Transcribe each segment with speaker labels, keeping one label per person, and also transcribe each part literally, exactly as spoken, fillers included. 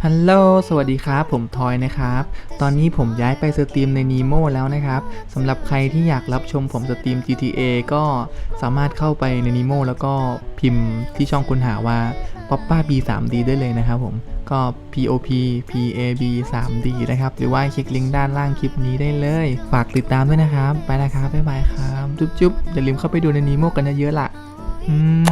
Speaker 1: ฮัลโหลสวัสดีครับผมทอยนะครับตอนนี้ผมย้ายไปสตรีมใน Nemo แล้วนะครับสำหรับใครที่อยากรับชมผมสตรีม จี ที เอ ก็สามารถเข้าไปใน Nemo แล้วก็พิมพ์ที่ช่องค้นหาว่า Poppa บี ทรี ดี ได้เลยนะครับผมก็ พี โอ พี พี เอ บี ทรี ดี นะครับหรือว่าคลิกลิงก์ด้านล่างคลิปนี้ได้เลยฝากติดตามด้วยนะครับไปนะครับบ๊ายบายครับจุ๊บๆอย่าลืมเข้าไปดูใน Nemo กันเยอะๆล่ะอืม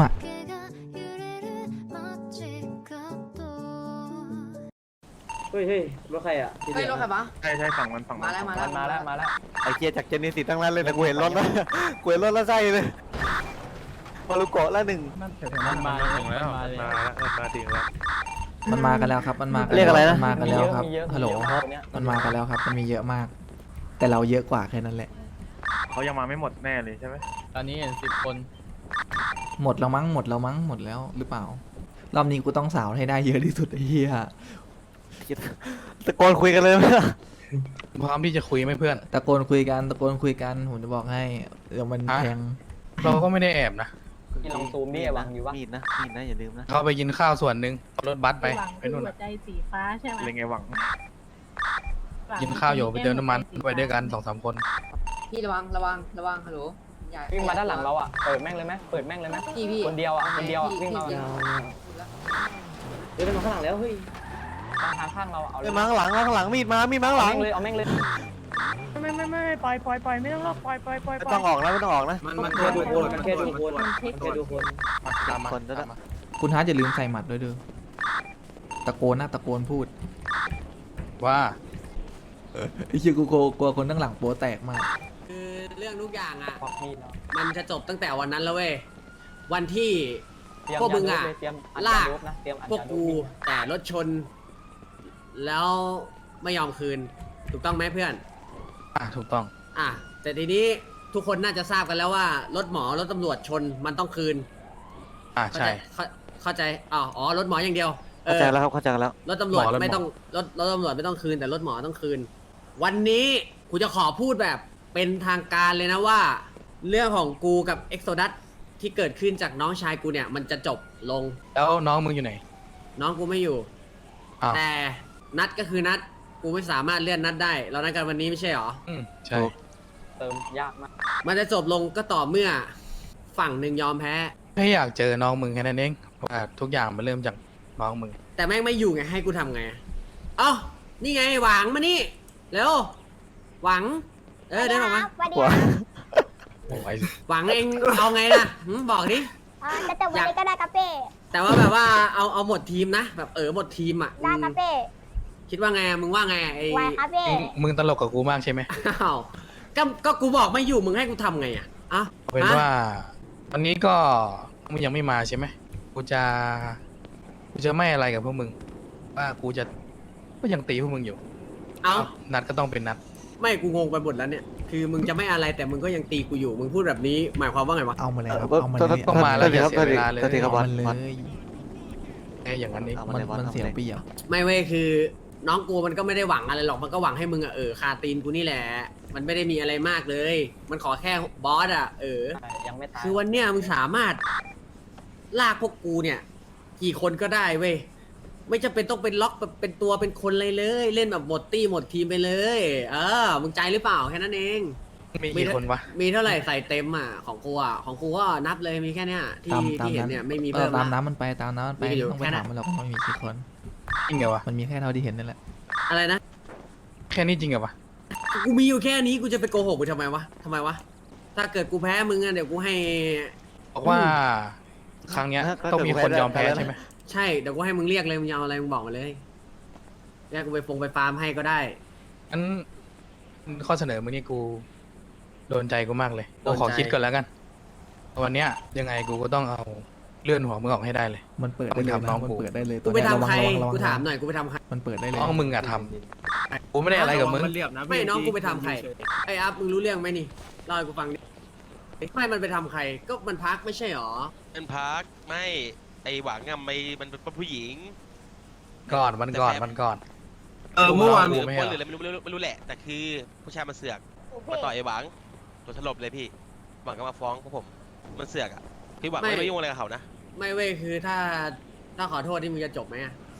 Speaker 2: เฮ้ยเฮ้ยรถใครอ่ะ
Speaker 3: เฮ้ยรถใครวะ
Speaker 4: ใช่ใช่ฝั่งมันฝั่ง
Speaker 3: มาแล้วมาแล้ว
Speaker 2: มาแล้วมาแล้ว
Speaker 4: ไอเกียจากเจนนิสิตั้งนั้นเลยแต่กูเห็นรถแล้วกูเห็นรถแล้วใช่เลยมารุโกะละหนึ่ง
Speaker 2: มันมา
Speaker 5: ถึงแล้วมันมาแล้วมันมาถึงแล้ว
Speaker 1: มันมากันแล้วครับมันมากัน
Speaker 4: เรียกอะไรนะ
Speaker 1: มันมากันแล้วครับฮัลโหล
Speaker 2: เนี่ย
Speaker 1: มันมากันแล้วครับ มันมีเยอะมาก แต่เราเยอะกว่าแค่นั้นแหละ
Speaker 5: เขายังมาไม่หมดแน่เลยใช่ไหม
Speaker 6: ตอนนี้เห็นสิบคน
Speaker 1: หมดแล้วมั้ง หมดแล้วมั้ง หมดแล้วหรือเปล่า รอบนี้กูต้องสาวให้ได้เยอะที่สุดไอ้เหี้ย
Speaker 4: ตะโกนคุยกันเลยไหมล่ะ
Speaker 6: พร้อมที่จะคุยไหมเพื่อน
Speaker 1: ตะโกนคุยกัน ตะโกนคุยกัน ผมจะบอกให้ เดี๋ยวมัน
Speaker 6: ฮะ
Speaker 1: แทง
Speaker 6: เราก็ไม่ได้แอบนะ
Speaker 2: พี่ลองซูมดิไอ้วังอยู่วะ
Speaker 4: มีดนะมีดนะอย่าลืมนะ
Speaker 6: เขาไปกินข้าวส่วนหนึ่งเอารถบัสไป
Speaker 7: หวัง
Speaker 6: ไป
Speaker 7: คือ
Speaker 6: นู่น
Speaker 7: หัว
Speaker 6: น่ะ
Speaker 7: ใจสีฟ้าใช่ไหม
Speaker 5: เลยไงหวัง
Speaker 7: หวัง
Speaker 6: กินข้าวอยู่ไปเติมน้ำมัน
Speaker 7: สีฟ้า
Speaker 6: ไปด้วยกันสองสามคน
Speaker 3: พี่ระวังระวังระวังฮัลโหลอย่
Speaker 2: วิ่งมาด้านหลังเราอ่ะเปิดแม่งเลยไหมเปิดแม่งเลยไหม
Speaker 3: พี่พี่
Speaker 2: คนเดียวอ่ะคนเดียวอ่ะ
Speaker 3: พี่
Speaker 2: วิ่งมา
Speaker 3: พี่
Speaker 2: เดินมาข้างหลังแล้วเฮ้ยทางทางข้างเราเอาเล
Speaker 4: เอ้
Speaker 2: ย
Speaker 4: ยมาข้างหลังมาข้างหลังมีดมามีดมาข้างหลั
Speaker 2: เอา
Speaker 4: ง
Speaker 2: แม่งเลยเอาแม่งเลย
Speaker 5: ไม่ไม่ไม่ปล่อยปล่อยปล่อยไม่ต้องล็อกปล่อยปล่อยปล่อย
Speaker 4: ไม่ต้องออกนะไม่ต้องออกนะ
Speaker 2: มันแค่ดูคนมันแค่ดูคน
Speaker 7: มันเช็ค
Speaker 2: แค่ดูคน
Speaker 6: มาตามมา
Speaker 4: คนจะได้
Speaker 6: ตามมา
Speaker 1: คุณฮาร์ดอย่าลืมใส่หมัดด้วยเด้อตะโกนนะตะโกนพูด
Speaker 6: ว่า
Speaker 1: ไอ้เหี้ยกูกลัวกลัวคนข้างหลังโป๊แตกมาก
Speaker 3: คือเรื่องทุกอย่างอ่ะ
Speaker 2: ควักมีดแล้ว
Speaker 3: มันจะจบตั้งแต่วันนั้นแล้วเว้ยวันที่
Speaker 2: เตรียม
Speaker 3: พวกมึงอะ
Speaker 2: ยาดูเลยเตรียมอัด
Speaker 3: ลาก
Speaker 2: ยดูนะเตรียมอัด
Speaker 3: พวก
Speaker 2: ยาดู
Speaker 3: กูแต่รถชน แล้วไม่ยอมคืน ถูกต้องไหมเพื่อน
Speaker 6: อ่ะถูกต้อง
Speaker 3: อ่ะแต่ทีนี้ทุกคนน่าจะทราบกันแล้วว่ารถหมอรถตำรวจชนมันต้องคืน
Speaker 6: อ่ะ
Speaker 3: เข้า
Speaker 6: ใช่
Speaker 3: ใจเข้าเข้าใจอ๋ออ๋อรถหมออย่างเดียวเอ
Speaker 4: เข้า
Speaker 3: อ
Speaker 4: ใจแล้วครับเข้าใจแล้ว
Speaker 3: รถตำรวจ
Speaker 6: หมอรถหมอ
Speaker 3: ไม่ต้องรถรถตำรวจไม่ต้องคืนแต่รถหมอต้องคืน วันนี้กูจะขอพูดแบบเป็นทางการเลยนะว่า เรื่องของกูกับเอ็กโซดัสที่เกิดขึ้นจากน้องชายกูเนี่ย มันจะจบลง
Speaker 6: แล้วน้องมึงอยู่ไหน
Speaker 3: น้องกูไม่อยู่
Speaker 6: อ้าว
Speaker 3: แต่นัดก็คือนัดกูไม่สามารถเลื่อนนัดได้ เรานัดกันวันนี้ไม่ใช่หรอ
Speaker 6: อืมใช่
Speaker 2: เติมยากมาก
Speaker 3: มันจะจบลงก็ต่อเมื่อฝั่งหนึ่งยอมแพ้
Speaker 6: แค่อยากเจอน้องมึงแค่นั้นเองเพราะว่าทุกอย่างมันเริ่มจากน้องมึง
Speaker 3: แต่แม่งไม่อยู่ไงให้กูทำไงเอ้านี่ไงหวังมานี่เร็วหวัง เออเดินออกมา
Speaker 4: หัว
Speaker 6: โอ้ย
Speaker 3: หวังเองเอาไงล่ะหืมบอกดิ
Speaker 8: อ่าจะจบวันนี้ก็ได้กาเป้
Speaker 3: แต่ว่าแบบว่าเอาเอาหมดทีมนะ แบบเออหมดทีมอ่ะ
Speaker 8: ได้กาเป้
Speaker 3: คิดว่าไงมึงว่าไงไอ้
Speaker 8: ไวคาเป้
Speaker 6: มึงมึงตลกกับกูมากใช่ไหม
Speaker 3: อ้าวก็ก็กูบอกไม่อยู่มึงให้กูทำไงอ่ะอ่ะ
Speaker 6: เอาเป็นว่าวันนี้ก็มึงยังไม่มาใช่ไหมกูจะกูจะไม่อะไรกับพวกมึง ว่ากูจะก็ยังตีพวกมึงอยู่
Speaker 3: เอา
Speaker 6: นัดก็ต้องเป็นนัด
Speaker 3: ไม่กูงงไปหมดแล้วเนี่ย คือมึงจะไม่อะไรแต่มึงก็ยังตีกูอยู่มึงพูดแบบนี้ หมายความว่าไงวะ
Speaker 1: เอามาเลยครับ
Speaker 4: ก็
Speaker 1: เอามา
Speaker 4: ก็
Speaker 1: เลย
Speaker 6: ต้องมาแล้ว
Speaker 4: ก็
Speaker 6: อย่า
Speaker 4: ครับ
Speaker 6: เสียเวลาเลย
Speaker 4: ก็ทีครับบอ
Speaker 1: เอา
Speaker 4: ล
Speaker 1: มันเล
Speaker 4: บอล
Speaker 1: ย
Speaker 6: แค่อย่างนั้นเอง
Speaker 4: เอา
Speaker 1: มัน
Speaker 4: เลยบอล
Speaker 1: มัน
Speaker 4: เอา
Speaker 1: เสีย
Speaker 4: เลย
Speaker 1: เปรียบ
Speaker 3: ไม่เว้ยคือน้องกูมันก็ไม่ได้หวังอะไรหรอกมันก็หวังให้มึงอะเออคาตีนกูนี่แหละ มันไม่ได้มีอะไรมากเลย มันขอแค่บอสอะเออ
Speaker 2: ใช่ยังไม่ตาย
Speaker 3: คือวันเนี้ยมึงสามารถลากพวกกูเนี่ย กี่คนก็ได้เว้ยไม่จำเป็นต้องเป็นล็อกแบบเป็นตัวเป็นคนเลยเลย เล่นแบบหมดตี้หมดทีมไปเลย เออมึงใจหรือเปล่าแค่นั้นเอง
Speaker 6: มีกี่คนวะ
Speaker 3: มีเท่าไหร่ใส่เต็มอ่ะของกูอ่ะของกูก็นับเลยมีแค่เนี้ยที่
Speaker 1: ตามตาม
Speaker 3: ที่เห็น
Speaker 1: นั้น
Speaker 3: เนี่ยไม่มี
Speaker 1: เอ
Speaker 3: เพิ่
Speaker 1: อ
Speaker 3: ม
Speaker 1: ตาม
Speaker 3: ละ
Speaker 1: น้ำมันไปตามน้ำมันไป
Speaker 3: มีอยู่
Speaker 1: ไม่ต้องไป
Speaker 3: แค่นั้
Speaker 1: ถาน มมันหรอกว่ามีกี่คน
Speaker 6: จริงเหรอวะ
Speaker 1: มันมีแค่เท่าที่เห็นนั่นแหละ
Speaker 3: อะไรนะ
Speaker 6: แค่นี้จริงเหรอวะ
Speaker 3: กูมีอยู่แค่นี้กูจะไปโกหกมึงทำไมวะทำไมวะถ้าเกิดกูแพ้มึงอ่ะเดี๋ยวกูให้
Speaker 6: บอกว่า ครั้งเนี้ยต้องมีคนยอมแพ้ใช่ไหม
Speaker 3: ใช่เดี๋ยวกูให้มึงเรียกเลยมึงจะเอาอะไรมึงบอกมาเลยเรียกกูไปฟงไปฟาร์มให้ก็ได้
Speaker 6: งั้นข้อเสนอมึงนี่กูโดนใจกูมากเลย
Speaker 3: โด
Speaker 6: กู
Speaker 3: นใจ
Speaker 6: ขอคิดก่อนแล้วกัน วันเนี้ยยังไงกูก็ต้องเอาเลื่อนหัวมึงออกให้ได้เลย
Speaker 1: มันเปิดได้เลย
Speaker 6: เอาไปทำน้
Speaker 1: นะ
Speaker 6: อง
Speaker 1: มัน
Speaker 6: กู
Speaker 1: เปิดได้เลย
Speaker 3: กูไป
Speaker 1: ตัวเนี้ย
Speaker 3: ทำใคร
Speaker 1: ระวังระวังระวัง
Speaker 3: กูถามหน่อยกูไปทำใคร
Speaker 1: มันเปิดได้เลย
Speaker 6: น้องมึงอะทำกูไม่ได้อะไรกับมึง
Speaker 3: ไม่น้องกูไปทำใครไอ้อัพมึงรู้เรื่องไหมนี่เล่าให้กูฟังดิไม่มันไปทำใครก็มันพักไม่ใช่หรอ
Speaker 9: เป็นพักไม่ไอหวังอะไม่มันเป็นผู้หญิง
Speaker 6: ก่อนมันก่อนมันก่อน
Speaker 9: เออเมื่อวาน
Speaker 6: กู
Speaker 9: หรือ
Speaker 6: ไม่
Speaker 9: ป
Speaker 6: ให้
Speaker 9: ล้น
Speaker 6: ห
Speaker 9: ห
Speaker 6: ร
Speaker 9: รือ
Speaker 6: อก
Speaker 9: อะไรไม่รู้ไม่รู้ไม่รู้แหละแต่คือผู้ชายมันเสือก
Speaker 8: พี่
Speaker 9: มาต่อยไอหวังตัวสลบเลยพี่หวังก็มาฟ้องพวกผมมันเสือกอะพี่หวัง
Speaker 3: ไม่
Speaker 9: ไม่ไปยุ่งอะไรกับเขานะ
Speaker 3: ไม่เว้ยคือถ้าถ้าขอโทษที่มึงจะจบไหมอะ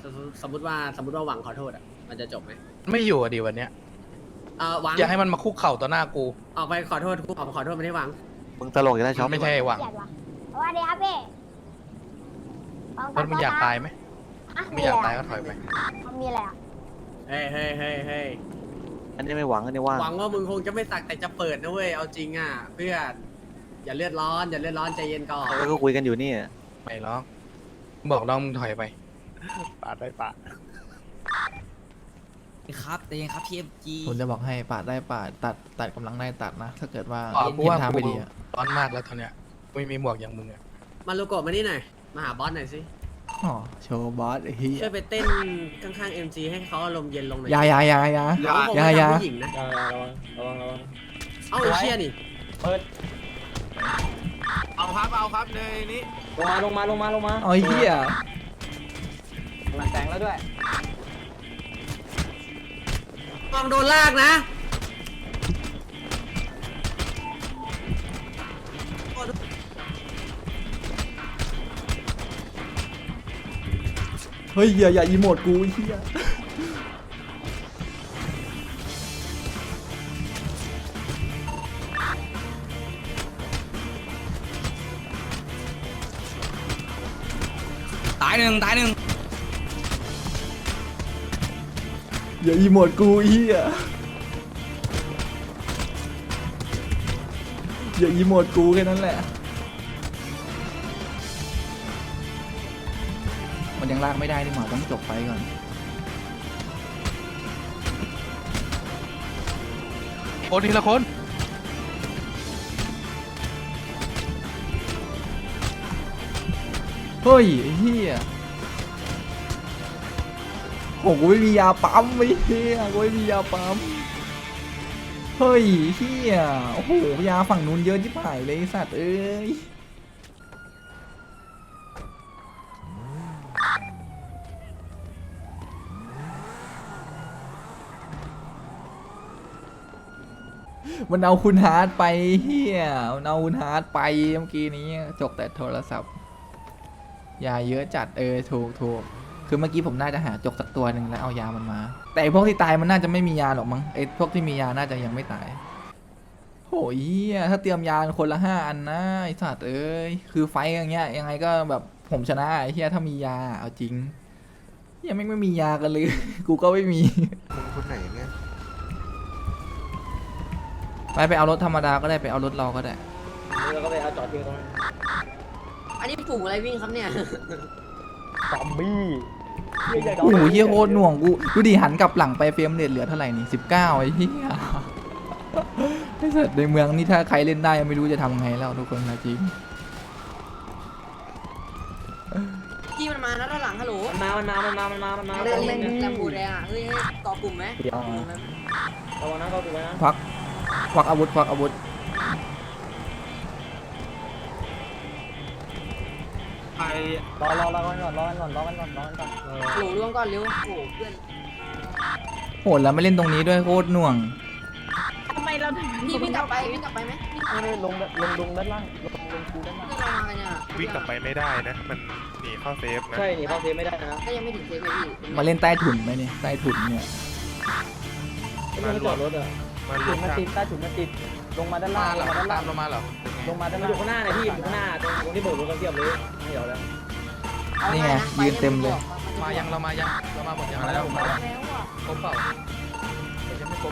Speaker 3: สมสมมติว่าสมมติว่าหวังขอโทษอ่ะมันจะจบไหม
Speaker 6: ไม่อยู่อะดีวันเนี้ย
Speaker 3: เออหวัง
Speaker 6: อย่าให้มันมาคุกเข่าต่อหน้ากู
Speaker 3: ออกไปขอโทษกูออกมาขอโทษไม่ได้หวัง
Speaker 4: มึงตลกอยู่แล้วช็อป
Speaker 6: ไม่ใช่หวัง
Speaker 8: เกลียดว่ะสวัสดีครับพี่ลอง
Speaker 6: รถมึงอยากตายไหม
Speaker 8: อ่ะ
Speaker 6: ไม่อยากตายก็ถอยไป
Speaker 8: มันมีอะไรอ่ะ
Speaker 3: เฮ้ยเฮ้ยเฮ้ยเฮ้ย
Speaker 4: อันนี้ไม่หวังอันนี้ว่าง
Speaker 3: หวังว่ามึงคงจะไม่สักแต่จะเปิดนะเว้ยเอาจริงอ่ะเพื่อนอย่าเลือดร้อนอย่าเลือดร้อนใจเย็นก่อน
Speaker 4: แล้วก็คุยกันอยู่นี่
Speaker 6: ไม่หรอกบอกน้องมึงถอยไป
Speaker 4: ปาดได้ปาด
Speaker 2: ครับแต่ยังครับพีเอ็มจี
Speaker 1: ผมจะบอกให้ปาดได้ปาดตัดตัดกำลังได้ตัดนะ ถ้าเกิดว่า
Speaker 6: อ๋อกู
Speaker 1: เห็น
Speaker 6: ว่า
Speaker 1: ทาง
Speaker 6: กู
Speaker 1: ไม่ดีอะ
Speaker 6: ร้อนมากแล้วตอนเนี้ยไม่มีหมวกอย่างมึงอะ
Speaker 3: มาลูกโกะมานี่หน่อยมาหาบอสหน่อยสิ
Speaker 1: อ๋อโชว์บอสไอ้เหี้ย
Speaker 3: ช่วยไปเต้นข้างๆเอ็มจีให้เขาอารมณ์เย็นลงหน่อย
Speaker 1: อยาอยาอยาอยา
Speaker 3: เดี๋ยวผม
Speaker 1: อย่า
Speaker 3: ไม่
Speaker 1: อย่า
Speaker 3: ทำผู้หญิงนะ
Speaker 2: ระวังระวังระวังระวัง
Speaker 3: เอ้าไอ้เชี่ยนี่
Speaker 2: เปิด
Speaker 3: เอาครับเอาครับเลยนี่
Speaker 2: ลงมาลงมาลงมาลงมา
Speaker 1: เอาไอ้เหี้ย
Speaker 2: มันแตงแล้วด้วย
Speaker 3: มองโดนลากนะ
Speaker 1: เฮ้ยอย่าอย่าอีโมดกูไอ้เหี้ย
Speaker 2: ตายหนึ่งตายหนึ่ง
Speaker 1: อย่าอีโมดกูไอ้เหี้ยอย่าอีโมดกูแค่นั้นแหละ มันยังลากไม่ได้นี่หว่าต้องจบไปก่อน
Speaker 6: โอ้ทีละคน
Speaker 1: เฮ้ยไอ้เหี้ยโอ้กูไม่มียาปั๊มไอ้เหี้ยกูไม่มียาปั๊มเฮ้ยเหี้ยโอ้โหยาฝั่งนู้นเยอะที่ผ่ายเลยไอ้สัตว์เอ้ยมันเอาคุณฮาร์ดไปเฮียมันเอาคุณฮาร์ดไปเมื่อกี้นี้จกแต่โทรศัพท์ยาเยอะจัดเออถูกถูกคือเมื่อกี้ผมน่าจะหาจกสักตัวหนึ่งแล้วเอายามันมา แต่ไอ้พวกที่ตายมันน่าจะไม่มียาหรอกมั้งไอ้พวกที่มียาน่าจะยังไม่ตายโหยเหี้ยถ้าเตรียมยาคนละห้าอันนะไอ้สัตว์เอ้ยคือไฟต์อย่างเงี้ยยังไงก็แบบผมชนะไอ้เหี้ยถ้ามียาเอาจริงยังไม่งไม่มียากันเลย กูก็ไม่มี
Speaker 4: มึงคนไหนเนี่ย
Speaker 1: ไปไปเอารถธรรมดาก็ได้ไปเอารถเราก็ได้
Speaker 2: แล้วก็ไปเอาจอดทิ้งตรงนั้น
Speaker 3: อันนี้ฝูงอะไรวิ่งครับเนี่ย
Speaker 2: ซอมบี้
Speaker 1: โอ้โหเฮียโคตรหน่วงกูดูดิหันกลับหลังไปเฟรมเรทเหลือเท่าไหร่นี่สิบเก้าไอ้เหี้ยไอ้สัตว์ในเมืองนี่ถ้าใครเล่นได้ไม่รู้จะทำไงแล้วทุกคนนะจริง
Speaker 3: จี้มันมานะด้านหลังฮัลโหล
Speaker 2: มันมามันมามันมามันมามันมา
Speaker 3: เล่นเล่นแลมบูแดงอ่ะเฮ้ยเกาะกลุ่มไหม
Speaker 2: ระวังนะเขาดูไว้นะ
Speaker 1: ควักควักอาวุธควักอาวุธ
Speaker 2: รอรอรอกันก่อนรอกันก่อนรอกันก่อนรอกันก่อน
Speaker 3: ฮัลโหลร่วงก่อนเร็วโอ้โหเพื่อน
Speaker 1: โหดแล้วไม่เล่นตรงนี้ด้วยโคตรหน่วง
Speaker 5: ทำไมเราถึง
Speaker 3: พี่วิ่งกลับไปวิ่งกลับไปไหมวิ่ง
Speaker 2: เออลงลงลงด้านล่างลงลงคูด้านล่าง
Speaker 3: ลงมากันเนี่ย
Speaker 10: วิ่งกลับไปไม่ได้นะ มันหนีเข้าเซฟนะ
Speaker 2: ใช่หนีเข้าเซฟไม่ได้นะ
Speaker 3: ก็ยังไม่ถึงเซฟเลยพี่
Speaker 1: มาเล่นใต้ถุนไหมเนี่ยใต้ถุนเนี่ย
Speaker 2: ไม่ต้องจอดรถอ่ะ
Speaker 10: มันร
Speaker 2: ถุ
Speaker 10: วน ม
Speaker 2: มา
Speaker 10: กัน
Speaker 2: ติดใต้ถุนมาติดลงมาด้าน
Speaker 6: มา
Speaker 2: ล่าง
Speaker 6: เหร
Speaker 2: ล
Speaker 6: อง
Speaker 2: มาด้าน
Speaker 6: ตา
Speaker 2: ล่าม ง
Speaker 6: เรามาเหรอ
Speaker 2: ลงมาด้านล่างอยู่ข้างหน้าเนี่ยพี่อยู่ข้างหน้าตรงตรงที่โบกรถกันเทียบเลยไม่เดี๋ยวแล้ว
Speaker 1: นี่ไงยืนเต็มเลย
Speaker 6: มายังเรามายังเรามาหมดยังแล้วมาแล้วครบเปล่ายังไม่ครบ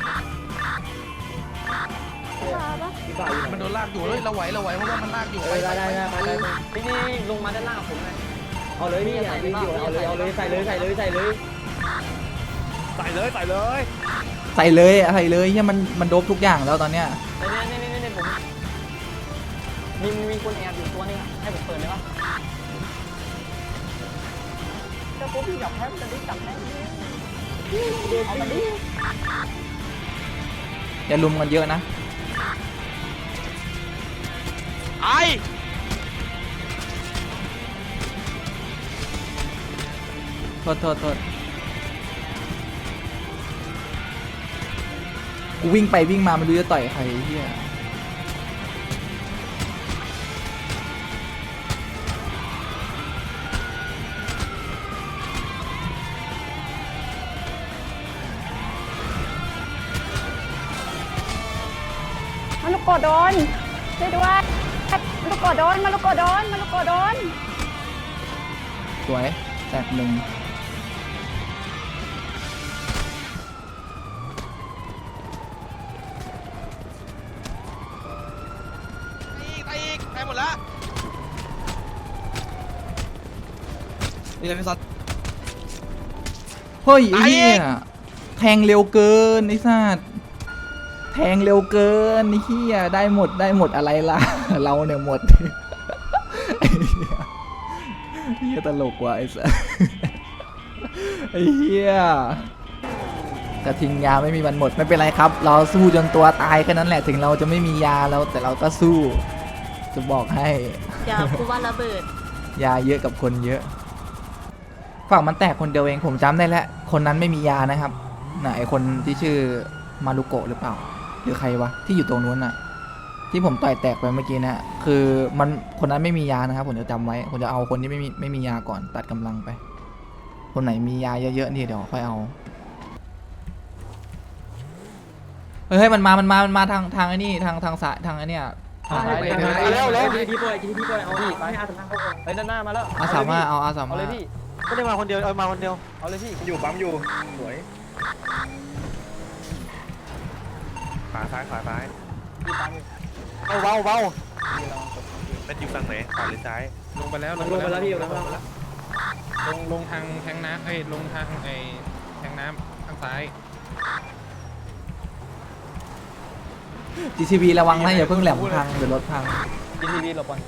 Speaker 2: พี่บ่าวอยู่ไหน
Speaker 6: มันโดนลากอยู่เฮ้ยเราไหวเราไหวเพราะว่ามันลากอยู่
Speaker 2: เอ
Speaker 6: ไป
Speaker 2: อ
Speaker 6: ไป
Speaker 2: ได้
Speaker 6: ไป
Speaker 2: ได้ได้ไปไปนี่นี่ลงมาด้านล่างกับผมเลยเอาเลยพี่อย่าวิ่งอยู่เอาเลยเอาเลยใส่เลยใส่เลยใส่เลย
Speaker 10: ใส่เลยใส่เลย
Speaker 1: ใส่เลยใส่เลยเฮียมันมันโดบทุกอย่างแล้วตอนเนี้ย
Speaker 2: นี่นี่นี่นี่ผมมีมีคนแอบอยู่ตัวนึงอ่ะให้ผมเปิดเลยปะจะปุ๊บพี่จับแพ้จะได้จับแพ้เอามาดิ
Speaker 1: อย่าลุมกันเยอะนะ
Speaker 9: ไอ้
Speaker 1: โทษโทษโทษกูวิ่งไปวิ่งมาไม่รู้จะต่อยใครเฮีย
Speaker 8: ลูกโกโดนช่วยด้วยมาลูกโกโดนมาลูกโกโดนมาลูกโกโดน
Speaker 1: สวยแตกหนึ่ง
Speaker 9: อีกไปอีกไปหมดละ
Speaker 2: นี่เลยพี่ซัด
Speaker 1: เฮ้ยไอ้เหี้ยแทงเร็วเกินไอ้สัตว์แทงเร็วเกินไอ้เหี้ยได้หมดได้หมดอะไรล่ะ เราเนี่ยหมด ไอ้เหี้ยเหี้ยตลกว่ะไอ้สัส ไอ้เหี้ยกระทิงยาไม่มีวันหมดไม่เป็นไรครับ เราสู้จนตัวตายแค่นั้นแหละถึงเราจะไม่มียาแล้วแต่เราก็สู้ จะบอกให้
Speaker 7: เดี๋ยวกูว่าระเบิด
Speaker 1: ยาเยอะกับคนเยอะฝั่งมันแตกคนเดียวเองผมจำได้แล้วคนนั้นไม่มียานะครับน่ะไอคนที่ชื่อมารุโกะหรือเปล่า หรือใครวะที่อยู่ตรงนู้นน่ะ ที่ผมต่อยแตกไปเมื่อกี้นะคือมันคนนั้นไม่มียานะครับผมจะจำไว้ผมจะเอาคนที่ไม่มีไม่มียาก่อนตัดกำลังไป คนไหนมียาเยอะๆนี่เดี๋ยวค่อยเอาเฮ้ยมันมามันมามันมาทางทางไอ้นี่ทางทางสายทางไอ้นี่ทาง
Speaker 2: ไปแล้วแล้วทีทีปล่อยทีทีปล่อยเอาพี่ไปอาสามเข้าก่อนไปด้านหน้ามาแล้ว
Speaker 1: อาสามารถเอาอาสา
Speaker 2: เอา
Speaker 1: มาร
Speaker 2: เลย
Speaker 1: ถ
Speaker 2: พี่
Speaker 4: ไม่ได้มาคนเดียวเอามาคนเดียว
Speaker 2: เอาเลยพี่
Speaker 10: อยู่ปั๊มอยู่สวยขวาซ้ายขวาซ้าย
Speaker 2: พี่ตามอยู่
Speaker 4: เอาเบาเบา
Speaker 10: เป็นอยู่ฝั่งไหนขวาหรือซ้าย
Speaker 6: ลงไปแล้ว
Speaker 2: ลงไปแล้วพี่ลงไปแล้ว
Speaker 6: ลงลงทางแทงน้ำเอ้ยลงทางไอ้แทงน้ำทางซ้าย
Speaker 1: จี ซี บี ระวังนะอย่าเพิ่งแหลมพังเดี๋ยวรถพัง
Speaker 2: ทีทีวีหลบก่อน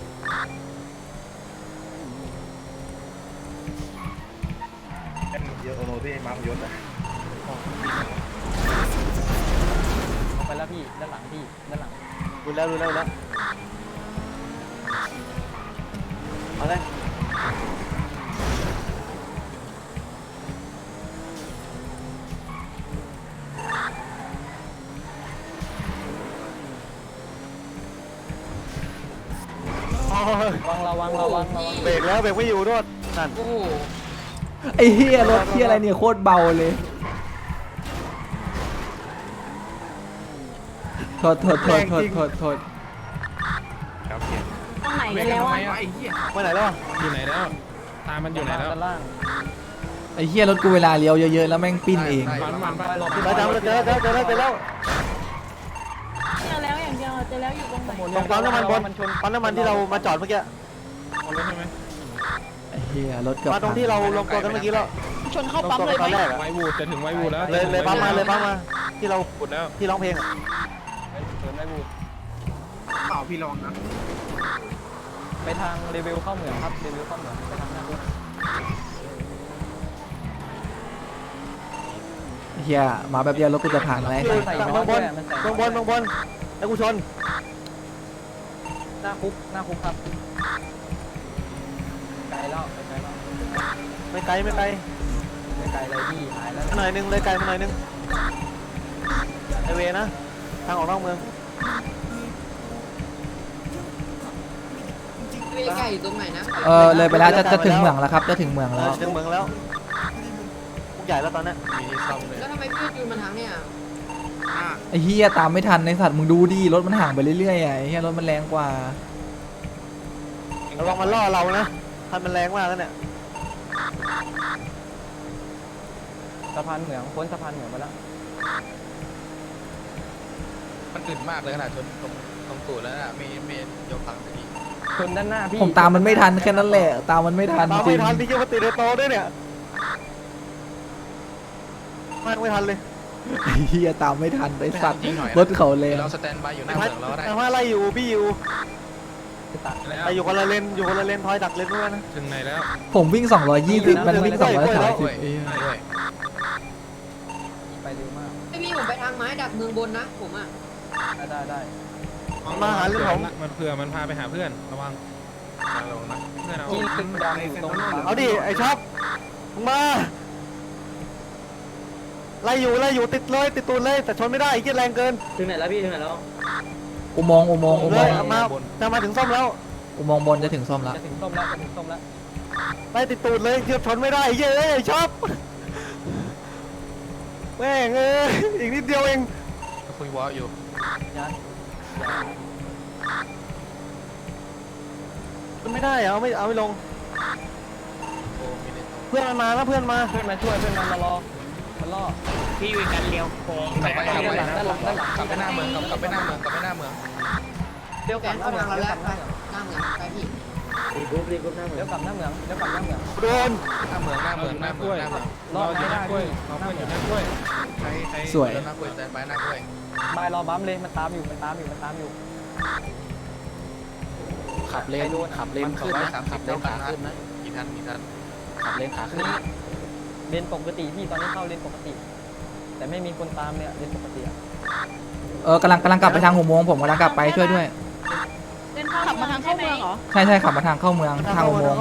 Speaker 10: เยอะโอโนที่มาร์มยศอ่ะ
Speaker 2: เอาไปแล้วพี่ด้านหลังพี่ด้านหลัง
Speaker 4: ดูแล้วดูแล้วดูแล้วเอาเลย
Speaker 2: ระวังระวังระวังระวัง
Speaker 4: เบรกแล้วเบรกไม่อยู่ด้วยนั่น
Speaker 3: โอ้โห
Speaker 1: ไอ้เฮียรถเฮียอะไรเนี่ยโคตรเบาเลยโทษโทษโทษโทษโทษโทษ
Speaker 10: ครับเขียน
Speaker 7: ตรงไหนกันแล้วอ่ะ
Speaker 4: ไปไหนแล้วอะ
Speaker 6: อยู่ไหนแล้ว ตามมันอยู่ไหนแล้ว
Speaker 2: ด้านล่าง
Speaker 1: ไอ้เฮียรถกูเวลาเลี้ยวเยอะๆแล้วแม่งปิ้นเอง
Speaker 6: มันมัน
Speaker 2: ไปหลบ
Speaker 4: ไปจำเจอเจอเจอแล้วเจอแล้ว
Speaker 7: เจอแล้วอย่างเดียวเจอแล้วอยู่ตรงไหน
Speaker 4: ตรงปั๊มน้ำมันบนปั๊มน้ำมันที่เรามาจอดเมื่อกี้
Speaker 6: เอาแล้วใช่ไหม
Speaker 1: ไอ้เฮียรถเกือบ
Speaker 4: มาตรงที่เราลงตัวกันเมื่อกี้แล้ว
Speaker 7: ชนเข้าปั๊มเลย
Speaker 4: ตอน
Speaker 7: ไหม
Speaker 4: แรกอะ
Speaker 6: ไววูดจะถึงไววูดแล้ว
Speaker 4: เลยเลยปั๊มมาเลยปั๊มมาที่เรา
Speaker 6: วูดแล้ว
Speaker 4: ที่ร้องเพลงอะ
Speaker 2: เดินไม่บูด
Speaker 6: เปล่าพี่ระวังนะ
Speaker 2: ไปทางเรเวลเข้าเหมืองครับเรเวลเข้าเหมืองไปทางหน้าบุ๊ก
Speaker 1: ไอ้เฮียมาแบบเดียวรถกูจะผ่านอะไร
Speaker 4: อยู่เมืองบนเมืองบนเมืองบนแล้วกูชน
Speaker 2: หน้าคุกหน้าคุกครับไกลแล้วไปไกลแล้ว
Speaker 4: ไม่ไกลไม่ไกล
Speaker 2: ไปไกลเลยพี่หายแล้ว
Speaker 4: มาหน่อยนึงเลยไกลมาหน่อยนึงไอเวนะทางออกนอกเมือง
Speaker 3: เวไก่อยู่ตรงไหนนะ
Speaker 1: เออเลยไปแล้วจะจะถึงเมืองแล้วครับจะถึงเมือง
Speaker 4: เอ
Speaker 1: แล้
Speaker 4: อ
Speaker 1: ว
Speaker 4: ถึงเมืองแล้วพวกใหญ่แล้วตอนนี้
Speaker 6: มีที่ซ่อมเลย
Speaker 3: แล้วทำไมพี่ยูมาทางเนี่ย
Speaker 1: ไอ้เฮียตามไม่ทันในสัตว์มึงดูดิรถมันห่างไปเรื่อยๆอ่ะไอ้เฮียรถมันแรงกว่า
Speaker 4: ระวังมันล่อเรานะคันมันแรงมากแล้วเนี่ย
Speaker 2: สะพานเหมืองพ้นสะพานเหมืองไปแล้ว
Speaker 6: มันอึดมากเลยขนาดชนตรงตรงตูดแล้วน่ะไม่ไม่ยกพังสักที
Speaker 2: ชนด้านหน้าพี่
Speaker 1: ผมตามมันไม่ทันแค่นั้นแหละตามมันไม่ทัน
Speaker 4: ตาม
Speaker 1: จริ
Speaker 4: ไม่
Speaker 1: ง
Speaker 4: ทันที่จะมาติดในโตะด้วยเนี่ยมากไม่ทันเลย
Speaker 1: ไอ้เฮียตามไม่ทันไอ้สัตว์
Speaker 6: จริงหน่อย
Speaker 1: รถเขาเลย
Speaker 6: เราสแตนบายอยู่หน้าเมืองเราก็ได้
Speaker 4: แต่ว่าไล่อยู่บี้อยู่
Speaker 2: ตัด
Speaker 6: แล้ว
Speaker 4: ไปอยู่คนละเลนอยู่คนละเลนทอยดักเลนด้วยนะ
Speaker 6: ถึงไหนแล้ว
Speaker 1: ผมวิ่งสองร้อยยี่สิบมันวิ่งสองร้อยสามสิบ
Speaker 6: ด้วยด้วย
Speaker 2: ไปเร็วมาก
Speaker 3: ไม่มีผมไปทางไม้ดักเมืองบนนะผมอ่ะ
Speaker 2: ได้ได้ได้
Speaker 4: มาหาเรื่องผม
Speaker 6: มันเผื่อมันพาไปหาเพื่อนระวังระวังนะเพื่อนเอา
Speaker 2: ที่ตึกดำอยู่ตรง
Speaker 4: เอาดิไอ้ช็อปมึงมาไล่อยู่ไล่อยู่ติดเลยติดตูนเลยแต่ชนไม่ได้ไอ้เหี้ยแรงเกิน
Speaker 2: ถึงไหนแล้วพี่ถึงไหนแล้ว
Speaker 1: อุโมงค์อุโมงค์อุ
Speaker 4: เล
Speaker 1: โม
Speaker 4: ย
Speaker 1: งค์
Speaker 4: มาจะมาถึงส้มแล้ว
Speaker 1: อุโมงค์บนจะถึงส้มแล้ว
Speaker 2: จะถึงส้มแล้วจะถึงส้มแล้ว
Speaker 4: ไล่ติดตูนเลยเกือบชนไม่ได้ไอ้เหี้ยเอ้ยไอ้ช็อปแม่งเอ้ยอีกนิดเดียวเอง
Speaker 6: คุยวอลอยู่
Speaker 2: ยัน
Speaker 4: ไม่ได้เอาไม่เอาไม่ลง เพื่อนมันมาแล้วเพื่อนมา
Speaker 2: เพื่อนมาช่วยเพื่อนมามารอมันล่อ
Speaker 3: พี่วิกันเลี้ยวโค้ง
Speaker 6: กลับไปกลับไปด้านหลังด้านหลังกลับไปหน้าเมืองกลับไปหน้าเมืองกลับไปหน้าเมือง
Speaker 2: เดี๋ยวกลับหน้าเมืองเดี๋ยวกลับหน้าเมือง
Speaker 3: หน้าเมืองไปพี่
Speaker 2: รีกรุ๊ปรีกรุ๊ปหน้าเมืองเดี๋ยวกลับหน้าเมืองเดี๋ยวกลับหน้าเมือง
Speaker 4: โดน
Speaker 6: หน้าเมืองหน้าเมืองหน้าเมืองหน้าเมือง
Speaker 2: รอไม่ได้ด้วยเราเพื่อนอยู่หน้ากล้วย
Speaker 6: ใครใคร
Speaker 1: สวย
Speaker 6: หน้ากล้วยแตนไปหน้ากล้วย
Speaker 2: บายรอบัมเลยมันตามอยู่มันตามอยู่มันตามอยู่
Speaker 1: ขับเลนขับเลนขึ้นนะ
Speaker 6: สามสิบเท่ากันนะกี่ทันกี่ทัน
Speaker 1: ขับเลนขาขึ้น
Speaker 2: นี่เลนปกติพี่ตอนนี้เข้าเลนปกติ แต่ไม่มีคนตามเนี่ยเลนปกติอะ
Speaker 1: เออกำลังกำลังกลับไปทางหัวโมงผมกำลังกลับไปช่วยด้วย
Speaker 7: เดินเข้าขับมาทางเข้าเมืองเหรอ
Speaker 1: ใช่ใช่ขับมาทางเข้าเมืองทางหัวโมง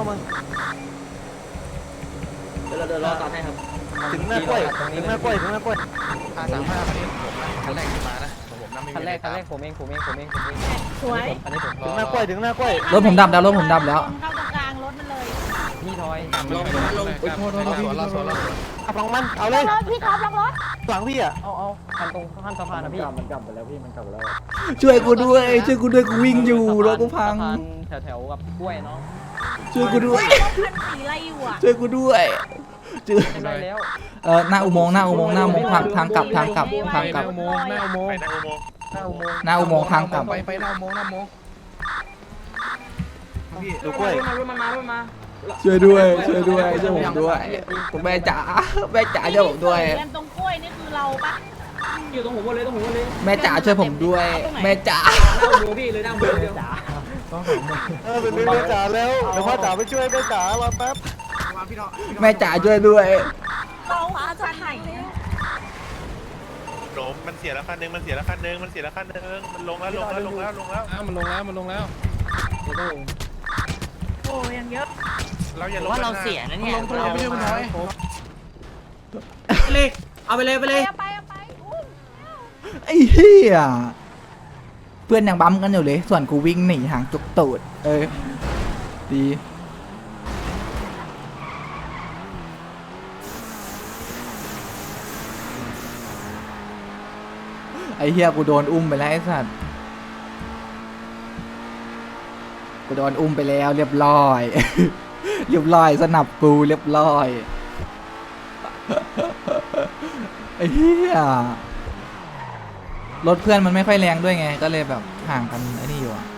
Speaker 2: เดี๋ยวเราเดินรอตามให้ครับ
Speaker 4: ถึงหน้ากล้วยถึงหน้ากล้วยถึงหน้ากล้วย
Speaker 6: ห้าสามห้าคันนี้ผมนะคันแรกที่มานะของผมนะไม่มี
Speaker 2: คันแรกคันแรกผมเองผมเองผมเองผมเอง
Speaker 7: สวย
Speaker 2: อันนี้ผม
Speaker 4: ถึงหน้ากล้วยถึงหน้ากล้วย
Speaker 1: รถผมดับแล้วรถผมดับแล้ว
Speaker 7: เข้าตรงกลางรถมันเลย
Speaker 2: พี่ทอย
Speaker 6: ลงลงโทษโทษโทษสวนเราสวนเรา
Speaker 4: ขับลงมันเอาเลย
Speaker 8: รถพี่ท็อปลงรถ
Speaker 4: หลังพี่อ่ะ
Speaker 2: เอาเอาคันตรงข้ามสะพานนะพี่มันกลับไปแล้วพี่มันกลับไปแล้ว
Speaker 1: ช่วยกูด้วยช่วยกูด้วยกูวิ่งอยู่รถกูพัง
Speaker 2: แถวแถวๆกับกล้วยเนาะ
Speaker 1: ช่วยกูด้วย
Speaker 7: รถคันสีอะไรอยู่อ่ะ
Speaker 1: ช่วยกูด้วยช่วย
Speaker 2: ได้แล้ว
Speaker 1: เออหน้าอุโมงค์หน้าอุโมงค์หน้าอุโมงค์ทางทางกลับทางกลับทางกลับ
Speaker 6: อุโมงค์หน้าอุโมง
Speaker 10: ไป
Speaker 6: ค์
Speaker 10: หน้าอุโมงค์
Speaker 2: หน้าอุโมงค์
Speaker 1: หน้าอุโมงค์ทางกลับ
Speaker 6: ไปไปหน้าอุโมงค์หน้าอุโมงค์
Speaker 4: ดูกล้วย
Speaker 2: มารถมันมารถมา
Speaker 1: ช่วยด้วยช่วยด้วยช่วยผมด้วยผมแม่จ๋าแม่จ๋าช่วยผมด้วย
Speaker 7: เดินตรงกล้วยนี่คือเราปะ
Speaker 2: อยู่ตรงหัวบนเลยตรงหัวบนเลย
Speaker 1: แม่จ๋าช่วยผมด้วย แม่จ๋า
Speaker 2: หน้าอุโมงค์พี่เลยหน้าอุโมงค์เดียว
Speaker 4: เออเป็นเรื่องจ๋าแล้วเดี๋ยวพ่อจ๋าไปช่วยแม่จ๋ารอแป๊บ
Speaker 1: แม่จ๋าช่วยด้วย
Speaker 7: เราจะไหน
Speaker 10: โดมมันเสียแล้วคันนึงมันเสียแล้วคันนึงมันเสียแล้วคันนึงมันลงแล้วลงแล้วลงแล้วลงแล้ว
Speaker 6: อ้าวมันลงแล้วมันลงแล้ว
Speaker 5: โอ้ยังเยอะ
Speaker 10: เราอย่าลง
Speaker 3: ว่าเราเสียนะเนี่ย
Speaker 6: ลงเราไม่ใช่คุณทอย
Speaker 3: เลยเอาไปเลยไปเลย
Speaker 8: เอาไปเอาไปอุ้ม
Speaker 1: ไอ้เหี้ยเพื่อนยังบั๊มกันอยู่เลย ส่วนกูวิ่งหนีห่างจุกตูดเออดีไอ้เหี้ยกูโดนอุ้มไปแล้วไอ้สัตว์กูโดนอุ้มไปแล้วเรียบร้อย เรียบร้อยสนับกูเรียบร้อย ไอ้เหี้ยรถเพื่อนมันไม่ค่อยแรงด้วยไง ก็เลยแบบห่างกันไอ้นี่อยู่อะ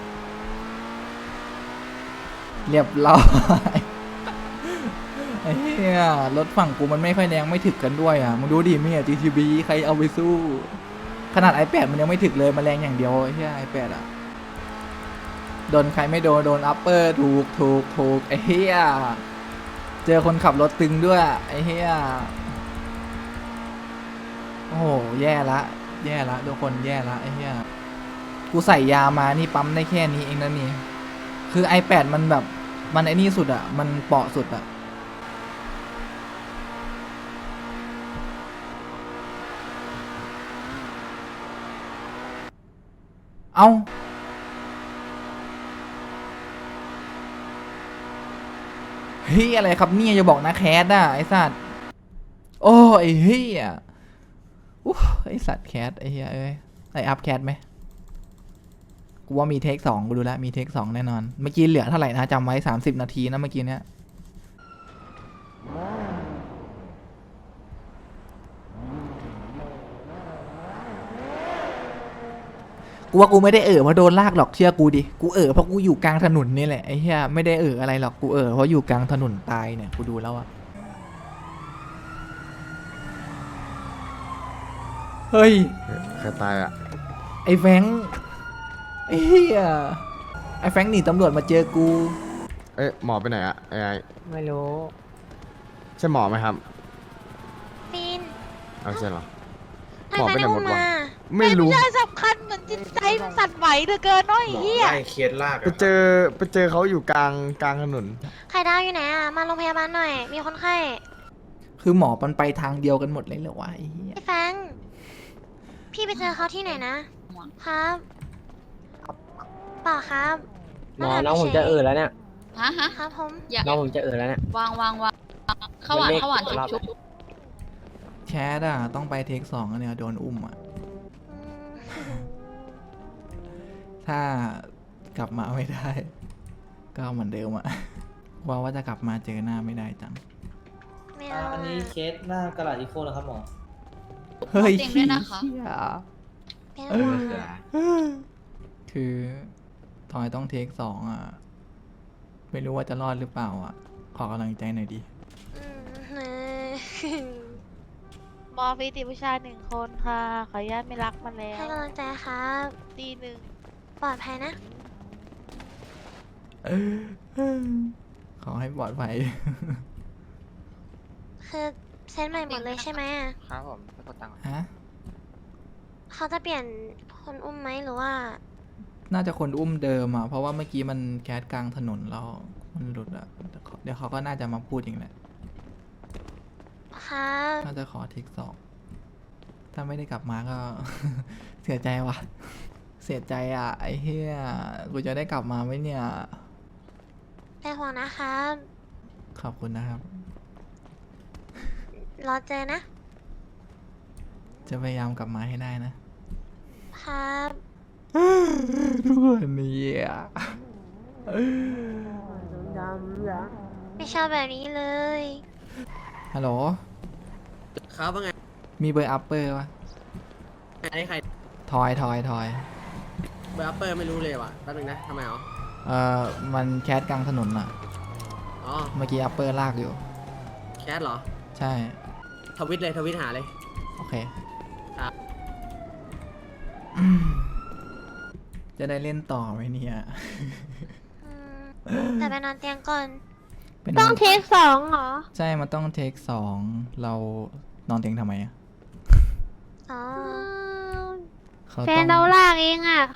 Speaker 1: เรียบร้อย ไอ้เหี้ยรถฝั่งกูมันไม่ค่อยแรงไม่ถึกกันด้วยอ่ะมึงดูดิมีอ่ะ จี ที บี ใครเอาไปสู้ ขนาด ไอแพด มันยังไม่ถึกเลยมันแรงอย่างเดียวไอ้เหี้ย ไอแพด อ่ะโดนใครไม่โดนโดนอัปเปอร์ถูกถูกถูกไอ้เหี้ยเจอคนขับรถตึงด้วยไอ้เหี้ยโอ้โหแย่ละแย่ละทุกคนแย่ละไอ้เหี้ยกูใส่ยามานี่ปั๊มได้แค่นี้เองนะนี่คือ ไอแพด มันแบบมันไอ้นี่สุดอ่ะมันเปาะสุดอ่ะเอาเฮ้ยอะไรครับเนี่ยอย่าบอกนะแคสอ่ะไอสัตว์โอ้ไอเฮียอู้ไอสัตว์แคสไอเฮียเอ้ยไออัพแคสไหมกูว่ามีเทคสองกูดูแลวมีเทคสองแน่นอนเมื่อกี้เหลือเท่าไหร่นะจำไว้สามสิบนาทีนะเมื่อกี้เนี้ยกูว่ากูไม่ได้เอ่อเพราะโดนลากหรอกเชื่อกูดิกูเอ่อเพราะกูอยู่กลางถนนนี่แหละไอ้เหี้ยไม่ได้เอ่ออะไรหรอกกูเอ่อเพราะอยู่กลางถนนตายเนี่ยกูดูแล้วอะเฮ้ย
Speaker 11: ใครตายอ่ะ
Speaker 1: ไอ้แฟงค์ไอ้เหี้ยไอ้แฟงค์หนีตำรวจมาเจอกู
Speaker 11: เอ๊ะหมอไปไหนอ่ะไอ้ไอ้
Speaker 2: ไม่รู้
Speaker 11: ใช่หมอไหมครับ
Speaker 8: ปีน
Speaker 11: เอาใช่เหรอ
Speaker 8: ทำ
Speaker 11: หมอ
Speaker 8: ไม
Speaker 11: ไปไหน
Speaker 8: ไม่
Speaker 11: หม
Speaker 8: อุ้
Speaker 11: ด
Speaker 8: ม
Speaker 11: วะ
Speaker 8: มา
Speaker 11: ไม่รู้
Speaker 8: เรื่องสำคัญเหมือนจิตใจมันสั่นไหวเหลือเกินเน้อยเฮีย
Speaker 11: ไปเจอไปเจอเขาอยู่กลางกลางถนน
Speaker 8: ไข่ดาวอยู่ไหนอ่ะ มาโรงพยาบาลหน่อย มีคนไข้
Speaker 1: คือหมอมันไปทางเดียวกันหมดเลยเหรอวะไอ้เหี้ย
Speaker 8: ไอ้แฟงพี่ไปเจอเขาที่ไหนนะ ครับเปล่าครับ
Speaker 2: หมอน้องผมจะเออแล้วเนี่ย
Speaker 7: ฮะฮะ
Speaker 8: ครับผม
Speaker 2: น้องผมจะเออแล้วเนี่ยว
Speaker 7: างวางวางข้าวหวานข้าวหวานชุบชุบ
Speaker 1: แคสอะต้องไปเทคสองอะเนี่ยโดนอุ้มอะ
Speaker 8: อืม
Speaker 1: ถ้ากลับมาไม่ได้ ก็เหมือนเดิมอะ ว่าว่าจะกลับมาเจอหน้าไม่ได้จัง
Speaker 8: ไม่เอา
Speaker 2: อันนี้เคสหน้ากระดาษอีโคเหรอครับหมอ
Speaker 1: เฮ้ย
Speaker 7: เต็มด้วยนะคะ
Speaker 1: เหี้ย
Speaker 8: เป็นห่วงอะ
Speaker 1: คือทอยต้องเทคสองอ่ะ ไม่รู้ว่าจะรอดหรือเปล่าอ่ะ ขอกำลังใจหน่อยดิ
Speaker 8: อืมเออ
Speaker 7: มอฟีติผู้ชายหนึ่งคนค่ะ ขออนุญาตไม่รักมันแล้
Speaker 8: ให้
Speaker 7: ว
Speaker 8: กำลังใจครับ
Speaker 7: ตีหนึ่ง
Speaker 8: ปลอดภัยนะ
Speaker 1: ขอให้ปลอดภัย
Speaker 8: คือเซ็นใหม่หมดเลยใช่ไหมอะ
Speaker 4: ครับผมไปกดตังค์
Speaker 1: ฮะ
Speaker 8: เขาจะเปลี่ยนคนอุ้มไหมหรือว่า
Speaker 1: น่าจะคนอุ้มเดิมอ่ะ เพราะว่าเมื่อกี้มันแคสกลางถนนแล้วมันหลุดอ่ะ เดี๋ยวเขาเดี๋ยวเขาก็น่าจะมาพูดอย่างแหละ
Speaker 8: ครับ
Speaker 1: น่าจะขอเทคสอง ถ้าไม่ได้กลับมาก็ เสียใจว่ะ เสียใจอ่ะ ไอ้เหี้ย กูจะได้กลับมาไหมเนี่ย
Speaker 8: เป็นห่วงนะครับ
Speaker 1: ขอบคุณนะครับ
Speaker 8: รอเจอนะ
Speaker 1: จะพยายามกลับมาให้ได้นะ
Speaker 8: ครับ
Speaker 1: ทุกคนเนี่ย
Speaker 8: ไม่ชอบแบบนี้เลย
Speaker 1: ฮัลโหล
Speaker 3: ครับว่าไง
Speaker 1: มีเบอร์อัปเปอร์ปะ
Speaker 3: อันนี้ใคร
Speaker 1: ทอยทอยทอย
Speaker 3: เบอร์อัปเปอร์ไม่รู้เลยว่ะแป๊บนึงนะทำไมอ๋อ
Speaker 1: เอ่อ มันแคสกลางถนนอ่ะ
Speaker 3: อ๋อ
Speaker 1: เมื่อกี้อัปเปอร์ลากอยู่
Speaker 3: แคทเหรอ
Speaker 1: ใช่
Speaker 3: ทวิตเลยทวิตหาเลย
Speaker 1: โอเค
Speaker 3: ครับ
Speaker 1: อืมจะได้เล่นต่อไหมเนี่ย
Speaker 8: อืมแต่ไปนอนเตียงก่อน
Speaker 1: เป็น
Speaker 7: ต้องเทคสองเหรอ
Speaker 1: ใช่ มันต้องเทคสอง เรานอนเตียงทำไมอ่ะ
Speaker 8: อ๋อ
Speaker 1: เขา
Speaker 7: แฟ
Speaker 1: ต้
Speaker 7: น
Speaker 1: อง
Speaker 7: เราลากเองอ่ะ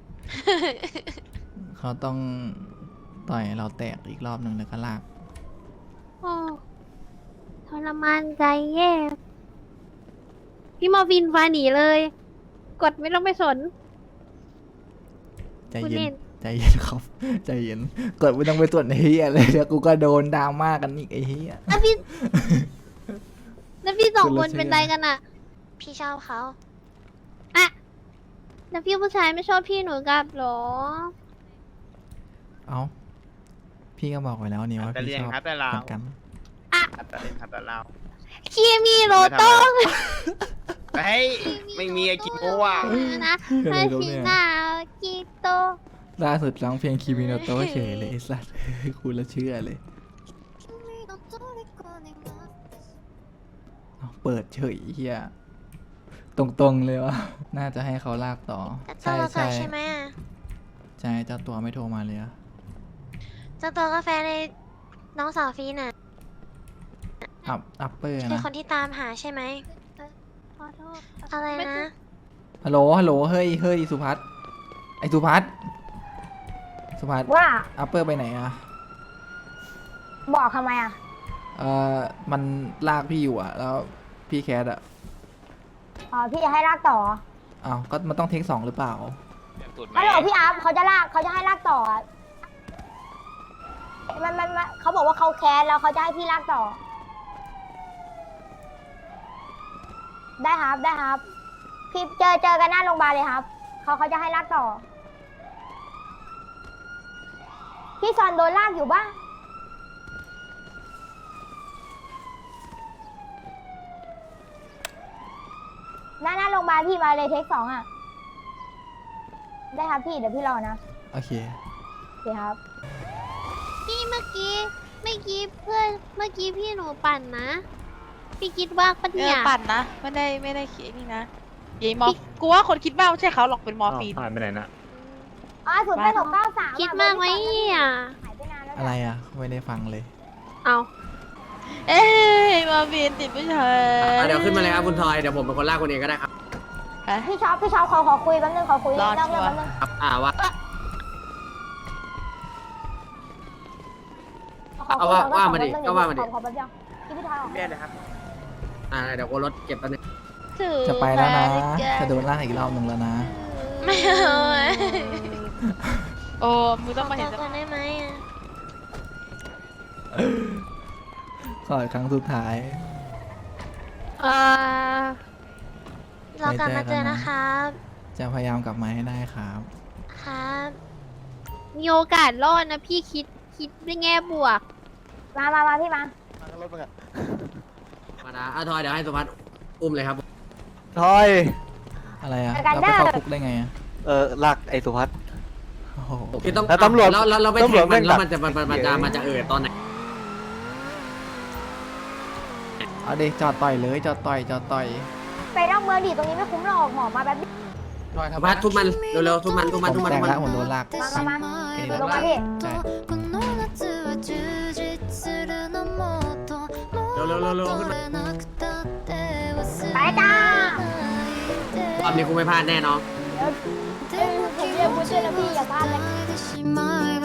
Speaker 1: เขาต้องต่อยเราแตกอีกรอบหนึ่งแล้วก็ลาก
Speaker 7: โอ้ทรมานใจแย่ พี่มอร์ฟินฟ้าหนีเลย กดไม่ต้องไปสน
Speaker 1: ใจ
Speaker 7: คุณ
Speaker 1: เย็
Speaker 7: เล่
Speaker 1: น
Speaker 7: น
Speaker 1: ใจเย็นครับ ใจเย็นกดไม่ต้องไปตรวจไอ้เฮียเลยเดี๋ยวกูก็โดนดราม่ากันอีกไอ้เฮีย
Speaker 7: แล้วพี่ แล้วพี่สอง
Speaker 1: คุณ
Speaker 7: ค
Speaker 1: ละ
Speaker 7: น
Speaker 1: ชื่อ
Speaker 7: เป็นไรกันอ่ะ
Speaker 8: พี่ชอบเขา
Speaker 7: อะแล้วพี่ผู้ชายไม่ชอบพี่หนูกลับเหรอ
Speaker 1: เอ้า พี่ก็บอกไว้แล้วนี่ว่า
Speaker 10: แต่
Speaker 1: พี่
Speaker 10: เรียน
Speaker 1: ชอบ
Speaker 10: ครับแต่เรา
Speaker 1: เหมือนกัน
Speaker 10: แต่เรียนครับแต่เรา
Speaker 7: คีมีโรโต้
Speaker 10: เฮ้ยไม่มีไอ้กิโมว่ะ
Speaker 7: นะ
Speaker 1: อะไร
Speaker 7: ฮา
Speaker 1: รู้
Speaker 7: ชิ
Speaker 1: เนี่ย
Speaker 7: นากิโต
Speaker 1: ล่าสุดร้องเพลงคิมิโนโตะเฉยเลยไอ้สัส คุณละเชื่อเลยเอาเปิดเฉยเฮียตรงๆเลยวะ น่าจะให้เขาลากต่อ
Speaker 8: เจ้า
Speaker 1: ใช่
Speaker 8: ตัวก่อ
Speaker 1: ใช่
Speaker 8: นใช่ไหมอะ
Speaker 1: ใช่เจ้าตัวไม่โทรมาเลยอะ
Speaker 8: เจ้าตัวกาแฟในน้องสาวฟีน่ะ
Speaker 1: อัพอัปเปอร์
Speaker 8: คือ
Speaker 1: นะ
Speaker 8: คนที่ตามหาใช่ไหม
Speaker 7: ขอโทษ
Speaker 8: อะไร
Speaker 7: ม่
Speaker 8: นะ
Speaker 7: ใช่
Speaker 1: ฮัลโหลฮัลโหลเฮ้ยเฮ้ยสุพัฒน์ไอสุพัฒน์สุพัฒน์
Speaker 5: ว่า
Speaker 1: อัปเปอร์ไปไหนอะ
Speaker 5: บอกทำไมอ่ะ
Speaker 1: เอ่อมันลากพี่อยู่อะแล้วพี่แคทอะ
Speaker 5: อ๋อ พี่จะให้ลากต่อ
Speaker 1: อ้าวก็มันต้องเทคสองหรือเปล่า
Speaker 5: ฮัลโหลพี่อัพเขาจะลากเขาจะให้ลากต่ออะมันมันมันเขาบอกว่าเขาแคสแล้วเขาจะให้พี่ลากต่อ ได้ครับได้ครับ พี่เจอเจอกันหน้าโรงพยาบาลเลยครับเขาเขาจะให้ลากต่อ พี่ซอนโดนลากอยู่บ้างหน้าหน้าโรงพยาบาลพี่มาเลยเทคสองอ่ะ ได้ครับพี่เดี๋ยวพี่รอนะ
Speaker 1: โอเค
Speaker 5: โอเคครับ
Speaker 7: พี่เมื่อกี้เมื่อกี้เพื่อนเมื่อกี้พี่หนูปั่นนะ พี่คิดว่าปะ
Speaker 12: เอ
Speaker 7: เนี่
Speaker 12: อย ปั่นนะไม่ได้ไม่ได้คิดนี่นะยัยมอฟกูว่าคนคิดว่าไม่ใช่เขาหรอกเป็นมอร์ฟีน
Speaker 10: ผ่านไปไหนนะ
Speaker 5: อ๋อศูนย์แปดหกเก้าสาม
Speaker 7: คิดมากไหมเนี่ย
Speaker 5: หายไปนานแล้ว
Speaker 1: อะไรอะไม่ได้ฟังเลย
Speaker 7: เอา
Speaker 12: เอ้ยมอร์ฟีนติดผู้ชาย
Speaker 3: อ่ะเดี๋ยวขึ้นมาเลยครับคุณทอยเดี๋ยวผมเป็นคนลากคนเองก็ได้ครับ
Speaker 12: ฮะ
Speaker 5: พี่ช็อปพี่ช็อปขอขอคุยแป๊บนึงขอคุย
Speaker 12: รอ
Speaker 5: เรื่องเรื่อง
Speaker 12: ชัวร์
Speaker 5: แป๊บนึง
Speaker 3: ครับอ่าว่า
Speaker 5: ขอคุย
Speaker 3: เอาว่า
Speaker 5: ขอ
Speaker 3: ว่ามาดิ
Speaker 5: ขอแป๊บนึง
Speaker 3: ก็ว่ามาดิ
Speaker 5: ขอขอแป๊บเดียวพี่พี่ทอยออก
Speaker 10: เรียนเลยครับ
Speaker 3: อ่าเดี๋ยวกูรถเก็บแป๊บนึง
Speaker 7: ถือ
Speaker 1: จะไปแล้วนะ
Speaker 7: มาดิแก
Speaker 1: จะโดนลากอีกรอบหนึ่งแล้วนะ
Speaker 8: ไม่เอาอะ
Speaker 12: โอ้มึง
Speaker 8: ข
Speaker 12: ต้
Speaker 8: อ
Speaker 12: องมา
Speaker 8: ตั
Speaker 12: เห็
Speaker 8: วน ก่อนได้ไหมอะ
Speaker 1: ขออีกครั้งสุดท้าย
Speaker 7: เอ่อ
Speaker 8: เรากลับมาเจอ
Speaker 1: ไว้เจอกันนะ
Speaker 8: นะครับ
Speaker 1: จะพยายามกลับมาให้ได้ครับ
Speaker 8: คครับ
Speaker 7: มีโอกาสรอดนะพี่คิดคิดในแง่บวก
Speaker 5: มามามาพี่มา
Speaker 4: มารถมึงอะ
Speaker 3: มาดาอ่ะทอยเดี๋ยวให้สุพัฒน์อุ้มเลยครับ
Speaker 4: ทอย
Speaker 1: อะไรอะ
Speaker 5: เจอกัน
Speaker 1: เราไป
Speaker 5: เด้อ
Speaker 1: เข้าคุกได้ไงอะ
Speaker 4: เออลากไอ้สุพัฒน์
Speaker 1: โอ้โห
Speaker 3: คือต้อง
Speaker 4: แล้วตำรวจ
Speaker 3: แล้วแล้วเราไป
Speaker 4: ตำ
Speaker 3: แท
Speaker 4: รวจ
Speaker 3: ง
Speaker 4: แม่
Speaker 3: มัน
Speaker 4: ง
Speaker 3: แล้ว
Speaker 4: ดัก
Speaker 3: มันจะมันมันมันจะมันจะเออตอนไหน
Speaker 1: เอาเด็กจอดต่อยเลยจอดต่อยจอดต่อย
Speaker 5: ไปนอกเมืองดิตรงนี้ไม่คุ้มหรอกหมอมาแบบนี้
Speaker 6: ทอย
Speaker 3: สุ
Speaker 6: ทำ
Speaker 3: พัฒน์ทุบมันเร็วๆทุบมันทุบมัน
Speaker 1: ผ
Speaker 3: ทุบ
Speaker 1: ม
Speaker 3: มัน
Speaker 1: แต
Speaker 3: ทุ
Speaker 1: ก
Speaker 3: บมัน
Speaker 1: แล้วผมโดนลาก
Speaker 5: มามามา
Speaker 1: แค่นี้
Speaker 5: ลง
Speaker 1: แห
Speaker 5: มา
Speaker 1: ละ
Speaker 5: พี่
Speaker 1: ใช่
Speaker 3: เร็วเร็วเร็วเร็วขึ้นมา
Speaker 5: ไปจ้าร
Speaker 3: อบนี้กูไม่พลาดแน่นอน
Speaker 5: เดี๋ยวเอ้ยผมเรียกคุณด้วยนะพี่อย่าพลาดเลย
Speaker 8: 「